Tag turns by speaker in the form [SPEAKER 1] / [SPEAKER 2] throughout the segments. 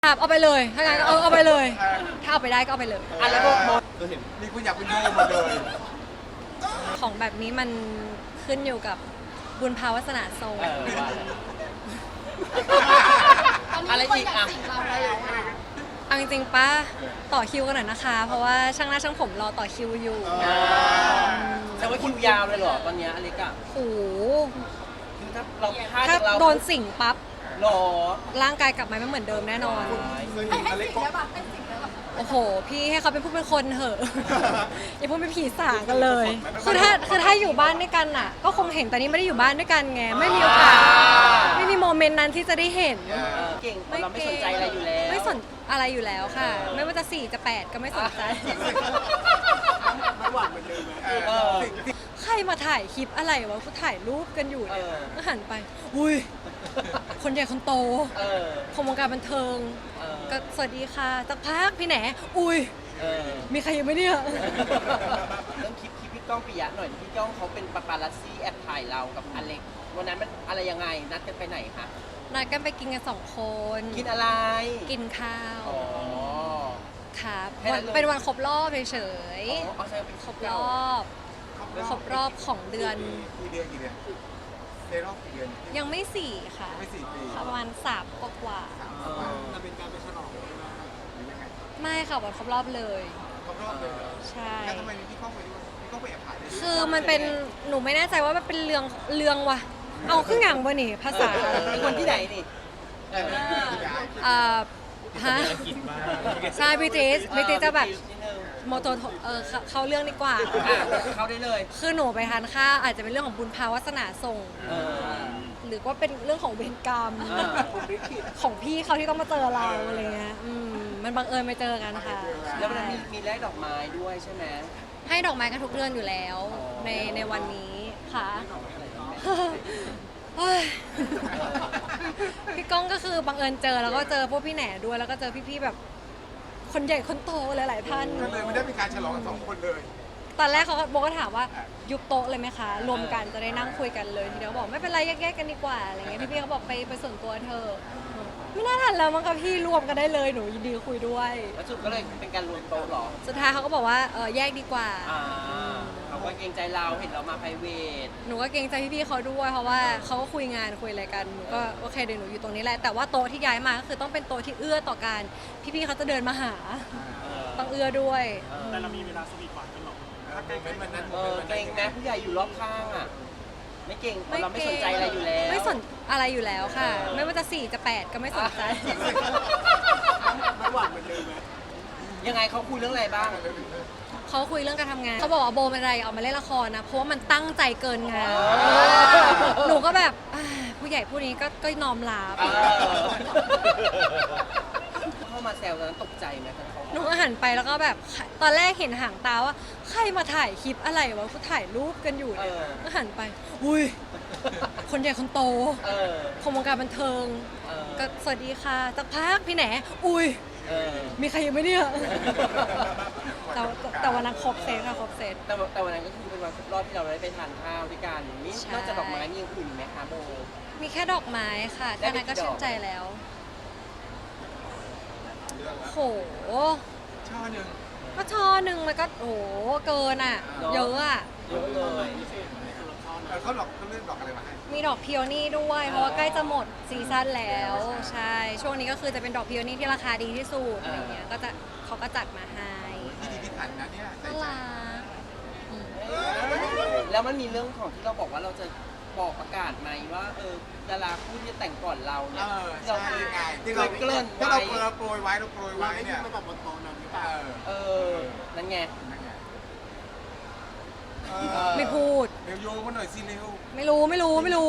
[SPEAKER 1] ครับเอาไปเลยถ้างั้นเอาไปเลยถ้าเอาไปได้ก็เอาไปเลย
[SPEAKER 2] แล้วโมเราเห็นนี่คุณอยากเป็นโมหมดเลย
[SPEAKER 1] ของแบบนี้มันขึ้นอยู่กับบุญภาวาสนาทรง
[SPEAKER 3] อะไรอีกอ่ะ
[SPEAKER 1] เอาจริงๆป้าต่อคิวกันหน่อยนะคะ เพราะว่าช่างหน้าช่างผมรอต่อคิวอยู่
[SPEAKER 3] แต่ว่าคิวยาวเลยเหรอตอนนี้อเล็กอะ
[SPEAKER 1] โอ้โห
[SPEAKER 3] คือถ้าเราพลาด
[SPEAKER 1] ถ้า
[SPEAKER 3] เรา
[SPEAKER 1] โดนสิ่งปั๊บ
[SPEAKER 3] หรอ
[SPEAKER 1] ร่างกายกลับมาไม่เหมือนเดิมแน่นอน
[SPEAKER 2] อเล็กก็
[SPEAKER 1] โอ้โหพี่ให้เขาเป็นผู้เป็นคนเถอะ อย่าพูดเป็นผีสางกันเลยคือถ้าอยู่บ้านด้วยกันน่ะ ก็คงเห็นแต่นี้ไม่ได้อยู่บ้านด้วยกันไงไม่มีโอกาสไม่มีโมเมนต์นั้นที่จะได้เห็น
[SPEAKER 3] เก่งเราไม่สนใจอะไรอยู่แล้ว
[SPEAKER 1] ไม่สนอะไรอยู่แล้วค่ะ ไม่ว่าจะ4จะ8ก็ไม่สนใจ
[SPEAKER 2] ไม่หวังเหมือนเดิม
[SPEAKER 1] ใครมาถ่ายคลิปอะไรวะกูถ่ายรูปกันอยู่เนี่ยก็หันไปอุ้ยคนใหญ่คนโตของวงการบันเทิงก็สวัสดีค่ะสักพักพี่แหนอุ้ยมีใครอยู่ไหมเนี่ย
[SPEAKER 3] เรื่องคลิปพี่ก้องปิยะหน่อยพี่ก้องเขาเป็นปาปารัสซี่แอบถ่ายเรากับอเล็กวันนั้นมันอะไรยังไงนัดกันไปไหนคะ
[SPEAKER 1] นัดกันไปกินกัน2 คน
[SPEAKER 3] กินอะไร
[SPEAKER 1] กินข้าว
[SPEAKER 3] อ๋อ
[SPEAKER 1] ครับเป็นวันครบรอบเฉย
[SPEAKER 3] ๆ
[SPEAKER 1] ครบรอบของเดือน
[SPEAKER 2] กี่เดือนในรอบกี่เดือน
[SPEAKER 1] ยังไม่4ค่ะ
[SPEAKER 2] ไม่4 ปี
[SPEAKER 1] ประมาณ3 กว่า
[SPEAKER 2] จะเป็นการไปฉลองหรือยังไง
[SPEAKER 1] ไม่ค่ะวันครบรอบเลย
[SPEAKER 2] ครบรอบเลย
[SPEAKER 1] ใช่
[SPEAKER 2] แล้วทำไมพี่ก้องไปด้วยพี่ก้องไปแอบถ่าย
[SPEAKER 1] คือมันเป็นหนูไม่แน่ใจว่ามันเป็นเรื่องวะเอาขึ้นหงังบ่นี่ภาษา
[SPEAKER 3] คนที่ไหนนี่
[SPEAKER 1] ฮะใช่บิติสจะแบบโมโตเขาเรื่องดีกว่า
[SPEAKER 3] เขาได้เลย
[SPEAKER 1] คือหนูไปทานข้าวอาจจะเป็นเรื่องของบุญภาวาสนาส่งหรือว่าเป็นเรื่องของเวรกรรมของพี่เขาที่ต้องมาเจอเราอะไรเงี้ยมันบังเอิญไปเจอกันค่ะ
[SPEAKER 3] แล้วมันมีแลกดอกไม้ด้วยใช่ไหม
[SPEAKER 1] ให้ดอกไม้กันทุกเดือนอยู่แล้วในวันนี้ค่ะพี่ก้องก็คือบังเอิญเจอแล้วก็เจอพวกพี่แหน่ด้วยแล้วก็เจอพี่ๆแบบคนใหญ่คนโตหลายๆท่าน
[SPEAKER 2] ก็เลยไม่ได้มีการฉลองกัน2 คนเลย
[SPEAKER 1] ตอนแรกเขาโบก็ถามว่ายุบโต๊ะเลยไหมคะรวมกันจะได้นั่งคุยกันเลยทีเดียวบอกไม่เป็นไรแยกๆกันดีกว่าอะไรเงี้ยพี่ๆเขาบอกไปส่วนตัวเธอไม่น่าทันแล้วมั้งคะพี่รวมกันได้เลยหนูยินดีคุยด้วย
[SPEAKER 3] แล้วสุดก็เลยเป็นการรวมโต๊ะหรอ
[SPEAKER 1] สุดท้ายเขาก็บอกว่าแยกดีกว่า
[SPEAKER 3] เขาก็เกรงใจเราเห็นเรามาไพรเวท
[SPEAKER 1] หนูก็เกรงใจพี่ๆเขาด้วยเพราะว่าเขาก็คุยงานคุยอะไรกันหนูก็โอเคเดี๋ยวหนูอยู่ตรงนี้แหละแต่ว่าโต๊ะที่ย้ายมาก็คือต้องเป็นโต๊ะที่เอื้อต่อการพี่ๆเขาจะเดินมาหาต้องเอื้อด้วย
[SPEAKER 4] แต่เรามีเวลาสวีทหวานกันหรอ
[SPEAKER 2] ถ้าใกล้ๆมันนั้น
[SPEAKER 3] เกรงแม้ผู้ใหญ่อยู่รอบข้างอ่ะไม่เก่งเราไม่สนใจอะไรอยู่แล้ว
[SPEAKER 1] ไม่สนอะไรอยู่แล้วค่ะไม่ว่าจะ4จะ8ก็ไม่สนใจ
[SPEAKER 2] ไม่หวังเหมือนเดิมไหม
[SPEAKER 3] ยังไงเขาคุยเรื่องอะไรบ้าง
[SPEAKER 1] เขาคุยเรื่องการทำงานเขาบอกว่าโบเป็นอะไรออกมาเล่นละครนะเพราะว่ามันตั้งใจเกินงานหนูก็แบบผู้ใหญ่ผู้นี้ก็น้อมรับ
[SPEAKER 3] เข้ามาแซวตอนนั้นตกใจไหม
[SPEAKER 1] หนูก็หันไปแล้วก็แบบตอนแรกเห็นหางตาว่าใครมาถ่ายคลิปอะไรวะกูถ่ายรูปกันอยู่เนี่ยก็หันไปอุ้ยคนใหญ่คนโตของวงการบันเทิงก็สวัสดีค่ะสักพักพี่แหนอุ้ยมีใครอยู่ไหมเนี่ยแต่วันนั้นครบเซตค่ะครบเซต
[SPEAKER 3] แต่วันนั้นก็คือเป็นวันครบรอบที่เราได้ไปทานข้าวด้วยกันนี่นอกจากดอกไม้มีอย่างอื่นไหมคะโบ
[SPEAKER 1] มีแค่ดอกไม้ค่ะแค่นั้นก็ชื่นใจแล้วโห
[SPEAKER 2] ช่อหนึ่ง
[SPEAKER 1] ก็ช่อหนึ่งมันก็โหเกินอ่ะเยอะอ่ะ
[SPEAKER 3] เยอะเลย
[SPEAKER 2] เขาเลือกดอกอะไรมาให้
[SPEAKER 1] มีดอกพิโอนี่ด้วยเพราะว่าใกล้จะหมดซีซั่นแล้วใช่ช่วงนี้ก็คือจะเป็นดอกพิโอนี่ที่ราคาดีที่สุดอะไรเงี้ยก็จะเขาก็จัดมาให้
[SPEAKER 2] พิถันนะเนี่ย
[SPEAKER 1] น่ารัก
[SPEAKER 3] แล้วมันมีเรื่องของที่เราบอกว่าเราจะบอกประกาศไหมว่าดาราคู่ที่แต่งก่อนเราเนี่ย
[SPEAKER 2] เราคือไงที่เราเกริ่นไว้เราโปรยไว้เนี่ย
[SPEAKER 4] ไม่บอกบนโต๊ะนั้นหรือเปล่า
[SPEAKER 3] นั่นไง
[SPEAKER 1] ไม่พูด
[SPEAKER 2] เร็วโยงมาหน่อยสิเร็ว
[SPEAKER 1] ไม่รู้เราโปรย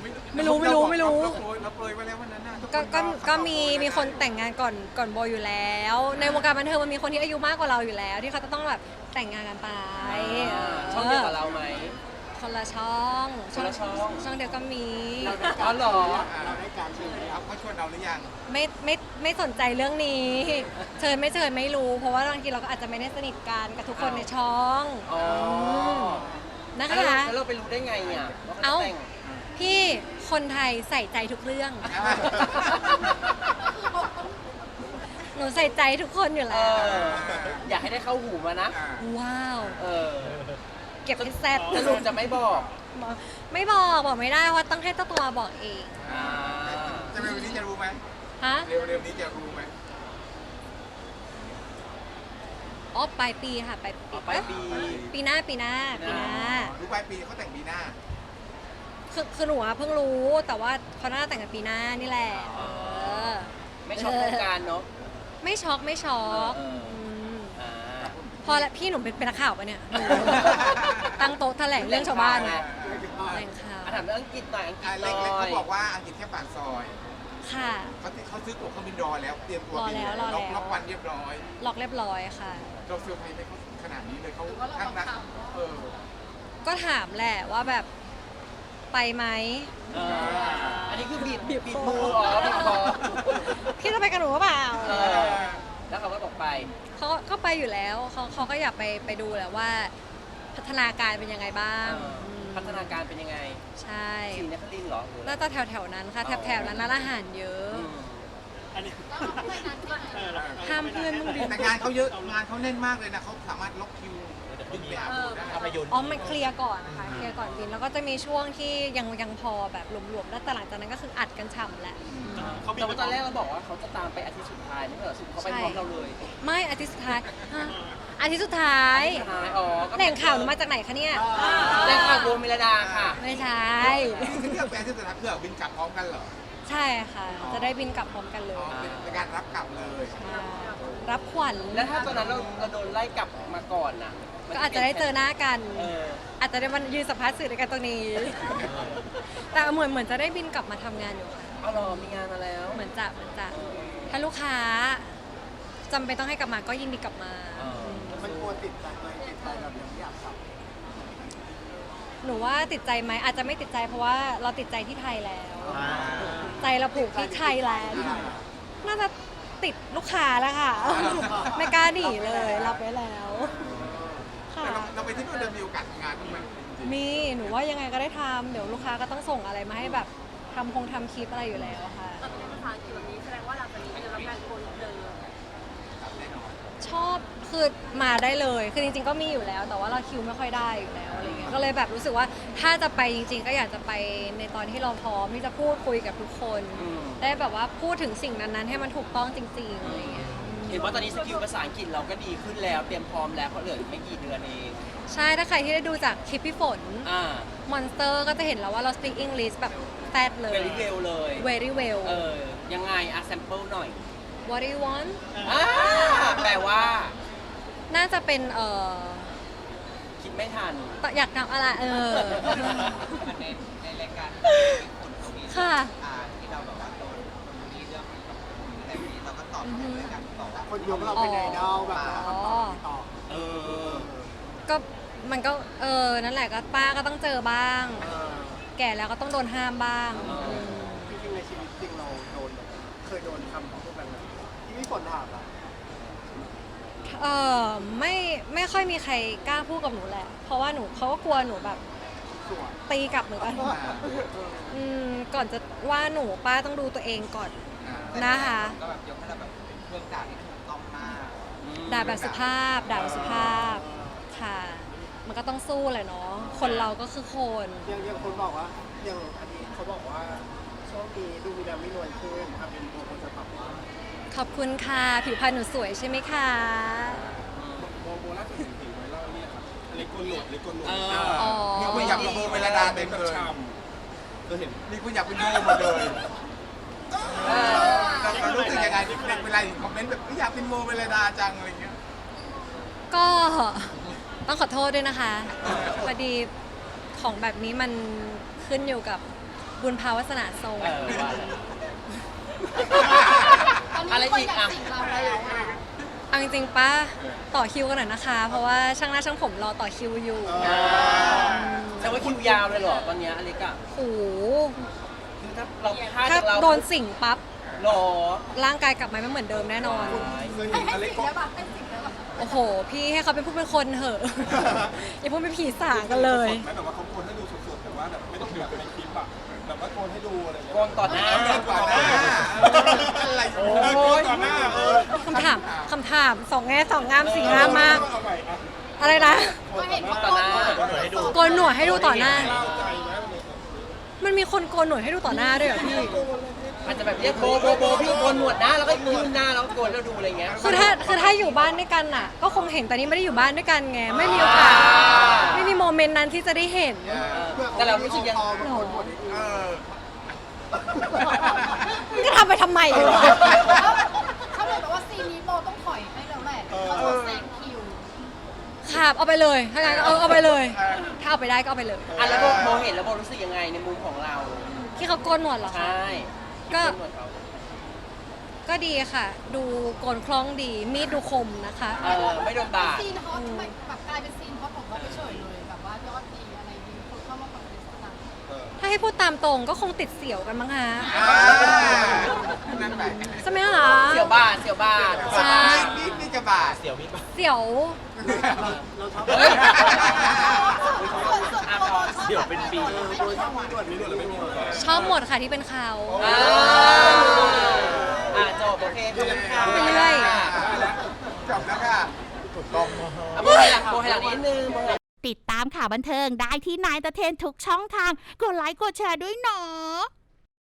[SPEAKER 2] ไว้แล้ววันนั้นน่ะ
[SPEAKER 1] ก็มีคนแต่งงานก่อนโบอยู่แล้วในวงการบันเทิงมันมีคนที่อายุมากกว่าเราอยู่แล้วที่เขาจะต้องแบบแต่งงานกันไป
[SPEAKER 3] ช่องเดียวกับเราไหม
[SPEAKER 1] คนละช่องเดียวก็มี
[SPEAKER 3] อ๋อเหรอ
[SPEAKER 2] เราได้การเชิญเขาชวนเราหรือยัง
[SPEAKER 1] ไม่สนใจเรื่องนี้เชิญไม่รู้เพราะว่าบางทีเราก็อาจจะไม่ได้สนิทกันกับทุกคนในช่องนะคะ
[SPEAKER 3] แล้วเราไปรู้ได้ไงเนี่ย
[SPEAKER 1] เอ้าพี่คนไทยใส่ใจทุกเรื่องหนูใส่ใจทุกคนอยู่
[SPEAKER 3] เอ
[SPEAKER 1] แล้ว
[SPEAKER 3] อ อยากให้ได้เข้าหูมานะ
[SPEAKER 1] ว้าว
[SPEAKER 3] เออ
[SPEAKER 1] เก็บให้แซ่บ
[SPEAKER 3] สรุปจะไม่บอก
[SPEAKER 1] ไม่บอกไม่ได้เพราะต้องให้เจ้าตัวบอกเอง
[SPEAKER 3] อ่า
[SPEAKER 2] จะเร็วนี้จะรู้ไหม
[SPEAKER 1] ฮะ
[SPEAKER 2] เร็วนี้จะรู้ไหม
[SPEAKER 1] อ๋อปลายปีค่ะปลายปี
[SPEAKER 3] ปลายปี
[SPEAKER 1] ปีหน้าปีหน้าปีหน้า
[SPEAKER 2] รู้ปลายปีเขาแต่งปีหน้า
[SPEAKER 1] คือหนูอะเพิ่งรู้แต่ว่าเขาน่าจะแต่งกันปีหน้านี่แหละเออ
[SPEAKER 3] ไม่ช็อกวงการเนาะ
[SPEAKER 1] ไม่ช็อกไม่ช็อก
[SPEAKER 3] เออ
[SPEAKER 1] ม
[SPEAKER 3] อ่า
[SPEAKER 1] พอละพี่หนูเป็นนักข่าวปะเนี่ยหนูตั้งโต๊ะแถลงเรื่องชาวบ้านเนี่ยแถลงข่าว
[SPEAKER 3] อ่ะถามเรื่องอังกฤษหน่อยอังกฤษหน่
[SPEAKER 2] เล็กๆ
[SPEAKER 3] อ
[SPEAKER 2] เขา
[SPEAKER 3] ย
[SPEAKER 2] บอกว่าอังกฤษแค่ปากซอย
[SPEAKER 1] ค่ะ
[SPEAKER 2] เขาซื้อตั๋วเครื่องบินรอแล้ว เตรียมตัวบิน
[SPEAKER 1] รอแล้ว
[SPEAKER 2] ล็อกวันเรียบร้อย
[SPEAKER 1] ล็อกเรียบร้อยค่ะ
[SPEAKER 2] เราเซอร์ไพรส์ไหมเขาขนาดนี้เลยเขาข้างนักเออ
[SPEAKER 1] ก็ถามแหละว่าแบบไปไหม
[SPEAKER 3] เอออันนี้คือบีบมืออ๋อบีบคอ
[SPEAKER 1] พี่จะไปกับหนูหรือเปล่า
[SPEAKER 3] เออแล้วเขาก็บอกไป
[SPEAKER 1] เขาก็ไปอยู่แล้วเขาก็อยากไปดูแหละว่า พัฒนาการเป็นยังไงบ้าง
[SPEAKER 3] เออ
[SPEAKER 1] ม
[SPEAKER 3] พัฒนาการเป็นยังไง
[SPEAKER 1] ใช่
[SPEAKER 3] สีนครินทร์เหรอหรืออะไร
[SPEAKER 1] น่าจะแถวๆนั้นค่ะ
[SPEAKER 3] อ๋อ
[SPEAKER 1] แถวๆนั้นร้านอาหารเยอะ
[SPEAKER 3] อืม
[SPEAKER 4] อันนี้
[SPEAKER 1] ห้ามเพื่อนมึงดิ
[SPEAKER 2] แต่งานเขาเยอะงานเขาแน่นมากเลยนะเขาสามารถล็อกคิวบินไปหาดูได้
[SPEAKER 1] อ๋อมันเคลียร์ก่อนนะคะเคลียร์ก่อนบินแล้วก็จะมีช่วงที่ยังพอแบบรวมๆแล้วแต่หลังจากนั้นก็คืออัดกันฉ่ำแหละ
[SPEAKER 4] เขาบิน
[SPEAKER 3] แต่ว่าตอนแรกเราบอกว่าเขาจะตามไปอาทิตย์สุดท้ายไม่ใช่เหรอสุดเขาไปพร้อมเราเลย
[SPEAKER 1] ไม่อาทิตย์สุดท้ายฮะอาทิตย์สุดท้าย
[SPEAKER 3] สุดท้ายอ๋อก็
[SPEAKER 1] แหล่งข่าวหนูมาจากไหนคะเนี่ย
[SPEAKER 3] แหล่งข่าวโบมิลดาค่ะ
[SPEAKER 1] ไม่ใช่
[SPEAKER 2] คือเรื่องแฟนที่สุดท้ายเพื่อบินกลับพร้อมกันเหรอ
[SPEAKER 1] ใช่ค่ะ จะได้บินกลับพร้อมกันเล
[SPEAKER 2] อ๋อย เป็นการรับกลับเลย
[SPEAKER 1] ใช่รับขวัญ
[SPEAKER 3] แล้วถ้าตอนนั้นเราโดนไล่กลับมาก่อนน่ะมัน
[SPEAKER 1] ก็อาจจะได้เจอหน้ากัน
[SPEAKER 3] เออ
[SPEAKER 1] อาจจะได้มันยืนสัมภาษณ์สื่อด้วยกันตรงนี้ แต่เหมือนจะได้บินกลับมาทำงานอยู่ค่ะ
[SPEAKER 3] เอาเหรอมีงานมาแล้ว
[SPEAKER 1] เหมือนจะถ้าลูกค้าจำเป็นต้องให้กลับมาก็ยินดีกลับมา
[SPEAKER 3] เออ
[SPEAKER 4] มันกลัวติดใจไหมติดใจแบบยังไม่อยากกลับ
[SPEAKER 1] หนูว่าติดใจไหมอาจจะไม่ติดใจเพราะว่าเราติดใจที่ไทยแล้ว ใจเราผูกที่ไทยแล้วน่าจะติดลูกค้าแล้วค่ะ ไม่กล้าหนีเลยรับไว้แล้วค่ะ
[SPEAKER 2] เราไปที่นู่นจะมีโอกาสทำงานบ้างไหมจริง
[SPEAKER 1] มีหนูว่ายังไงก็ได้ทำเดี๋ยวลูกค้าก็ต้องส่งอะไรมาให้แบบทำคลิปอะไรอยู่แล้วค่ะ
[SPEAKER 5] ตอนนี้ภาษาอังกฤษแบบนี้แสดงว่าหลังจากนี้จะรับงานโกนเดิม
[SPEAKER 2] ๆแน่นอน
[SPEAKER 1] ชอบคือมาได้เลยคือจริงๆก็มีอยู่แล้ว แต่ว่าเราคิวไม่ค่อยได้อยู่แล้วอะไรเงี้ยก็เลยแบบรู้สึกว่าถ้าจะไปจริงๆ ก็อยากจะไปในตอนที่เราพร้อมที่จะพูดคุยกับทุกคน
[SPEAKER 3] อืม
[SPEAKER 1] ได้แบบว่าพูดถึงสิ่งนั้นๆ ให้มันถูกต้องจริงๆอะไรเงี้ย
[SPEAKER 3] เห็นว่าตอนนี้สกิลภาษาอังกฤษเราก็ดีขึ้นแล้วเตรียมพร้อมแล้วเพราะเหลืออีกไม่กี่เดือนเอง
[SPEAKER 1] ใช่ถ้าใครที่ได้ดูจากคลิปพี่ฝน
[SPEAKER 3] อ่า
[SPEAKER 1] Monster ก็จะเห็นแล้วว่าเรา speak English แบบแฟดเลย
[SPEAKER 3] very well เลย
[SPEAKER 1] very well
[SPEAKER 3] เออยังไงอ่ะ sample หน่อย
[SPEAKER 1] what do you want
[SPEAKER 3] อ่าแปลว่า
[SPEAKER 1] น่าจะเป็น
[SPEAKER 3] คิดไม่ทัน
[SPEAKER 1] อยากทำอะไร
[SPEAKER 6] ในรายการคนมี
[SPEAKER 1] ค่ะ
[SPEAKER 6] ที่เราแบบว่าโดนคนนี้เรื่องอะไรนี้เราก็ตอบในรายการบอกว่า
[SPEAKER 4] คนยกเราเป็นไอดอลแบบคำตอบที่ตอบ
[SPEAKER 3] เออ
[SPEAKER 1] ก็มันก็นั่นแหละก็ป้าก็ต้องเจอบ้าง แก่แล้วก็ต้องโดนห้ามบ้าง
[SPEAKER 4] จริงๆในชีวิตจริงเราโดนแบบเคยโดนคำพูดแบบนั้นที่พี่ฝนถามอะ
[SPEAKER 1] ไม่ค่อยมีใครกล้าพูดกับหนูแหละ เพราะว่าเขาก็กลัวหนูแบบ
[SPEAKER 4] สวย
[SPEAKER 1] ตีกลับเหมือนกันก่อนจะว่าหนูป้าต้องดูตัวเองก่อนนะคะ
[SPEAKER 6] ก็แบบยกให้เราแบบเป็นเครื่องด่าที่ถูกต้องมาก
[SPEAKER 1] ด่าแบบสุภาพค่ะ มันก็ต้องสู้แหละเนาะคนเราก็คือคน
[SPEAKER 4] ยังคนบอกว่าอย่างอันนี้เขาบอกว่าช่วงนี้ดูมีดำไม่นวลขึ้นครับเป็นตัวคนจะปรับว่า
[SPEAKER 1] ขอบคุณค่ะ ผิวพรรณหนูสวยใช่ไหมคะ
[SPEAKER 4] โบล่าสุดถึงไว้เล่าเนี่ยครับเล็กโกนหนวดเล็กโกนหนวด
[SPEAKER 1] อ๋อ
[SPEAKER 2] มีคนอยากเป็นโบเมลดาเต็มเลย
[SPEAKER 4] ก็เห็น
[SPEAKER 2] มีคนอยากเป็นโบหมดเลยเรารู้สึกยังไงเวลาเห็นคอมเมนต์แบบอยากเป็นโบเมลดาจังอะไรเงี้ย
[SPEAKER 1] ก็ต้องขอโทษด้วยนะคะพอดีของแบบนี้มันขึ้นอยู่กับบุญภาวาสนาทรง
[SPEAKER 3] เออว่า
[SPEAKER 5] ตอนนี้
[SPEAKER 3] อะไร
[SPEAKER 5] คน
[SPEAKER 3] อีก
[SPEAKER 5] อยาก
[SPEAKER 3] อ่ะ
[SPEAKER 5] สิงเราแล้วอะ
[SPEAKER 1] เอาจริงๆป้าต่อคิวกันหน่อยนะคะ เพราะว่าช่างหน้าช่างผมรอต่อคิวอยู่
[SPEAKER 3] แต่ว่าคิวยาวเลยเหรอตอนเนี้ยอเล็กอะ
[SPEAKER 1] โอ้โห
[SPEAKER 3] คือถ้าเราพลาด
[SPEAKER 1] ถ้า
[SPEAKER 3] จากเรา
[SPEAKER 1] โดนสิ่งปั๊บ
[SPEAKER 3] หรอ
[SPEAKER 1] ร่างกายกลับมาไม่เหมือนเดิมแน่นอน
[SPEAKER 5] ให้สิงได้ปะให้สิงได้ปะ
[SPEAKER 1] โอ้โห พี่ให้เขาเป็นผู้เป็นคนเถอะ อย่าพูดเป็นผีสางกันเลย
[SPEAKER 4] ไม่แบบว่าเขาโกนให้ดูสดๆแต่ว่าแบบไม่ต้องแบบในคลิปอะแบบว่าโกนให้ดูอะไรอย่าง
[SPEAKER 3] โก
[SPEAKER 4] เงี้ย
[SPEAKER 3] นต่อหน้า
[SPEAKER 2] ก่อนหน้าอะไร
[SPEAKER 3] โอ้ย
[SPEAKER 4] ต่อหน้า
[SPEAKER 1] คำถามสองแง่สองงามสี่งามมาก อะไรนะ
[SPEAKER 5] ก็เห็นเขา
[SPEAKER 3] ต่อหน้า
[SPEAKER 1] โกนหนวดให้ดูต่อหน้า มันมีคนโกนหนวดให้ดูต่อหน้าด้วยเหรอพี่
[SPEAKER 3] อาจจะแบบเรียกโบพี่โกนหนวดนะแล้วก็ยืนหน้าแล้วก็โกนแล้วดูอะไรเงี้ย
[SPEAKER 1] คือถ้าอยู่บ้านด้วยกันน่ะ ก็คงเห็นแต่นี่ไม่ได้อยู่บ้านด้วยกันไงไม่มีโอกาสไม่มีโมเมนต์นั้นที่จะได้เห็น
[SPEAKER 3] แต่เรารู้สึกยัง
[SPEAKER 2] เออ
[SPEAKER 1] มันก็ทำไปทำไมวะ
[SPEAKER 5] เขาเลยบอกว่าซีนนี้โบต้องถอยให้แล้วแหละเขาจะแซงคิว
[SPEAKER 1] ครับเอาไปเลยถ้างั้นก็เอาไปเลย ถ้าเอาไปได้ก็เอาไปเลย
[SPEAKER 3] อ่ะแล้วโบเห็นแล้วโบรู้สึกยังไงในมุมของเรา
[SPEAKER 1] ที่เขาโกนหนวดเหรอ
[SPEAKER 3] ใช
[SPEAKER 1] คะ
[SPEAKER 3] ่
[SPEAKER 1] ก็
[SPEAKER 3] โนหนวดเขา
[SPEAKER 1] ก็ดีค่ะ ดูโกนคล้องดีมีดดูคมนะคะ
[SPEAKER 3] ไม่โดนบาด
[SPEAKER 5] ซีนฮอตแบบกลายเป็นซีนฮอตของเขาไปเฉยเลยแบบว่ายอดดีอะไรดีคนเข้ามาคอมเมนต์ต่าง
[SPEAKER 1] ถ้าให้พูดตามตรงก็คงติดเสี่ยวกันมั้งฮะ
[SPEAKER 2] นั่นไป
[SPEAKER 1] ใช่ไหมคะ
[SPEAKER 3] เสี่ยวบาด
[SPEAKER 1] ใช่
[SPEAKER 2] นี่จะบาดเสียวมีบาด
[SPEAKER 1] เสี่ยว
[SPEAKER 3] เฮ้ย
[SPEAKER 5] ๆเดี๋ยวเป็นปี
[SPEAKER 1] ชอบหมดค่ะที่เป็นเขา
[SPEAKER 3] จบโอเคขอบคุณค่ะ
[SPEAKER 1] ไปเรื่อย
[SPEAKER 2] จบแล้วค่ะ
[SPEAKER 3] โบให้หลังนิดนึงโบให้หลัง
[SPEAKER 7] ติดตามข่าวบันเทิงได้ที่นายตะเทนทุกช่องทาง กดไลค์กดแชร์ด้วยเนาะ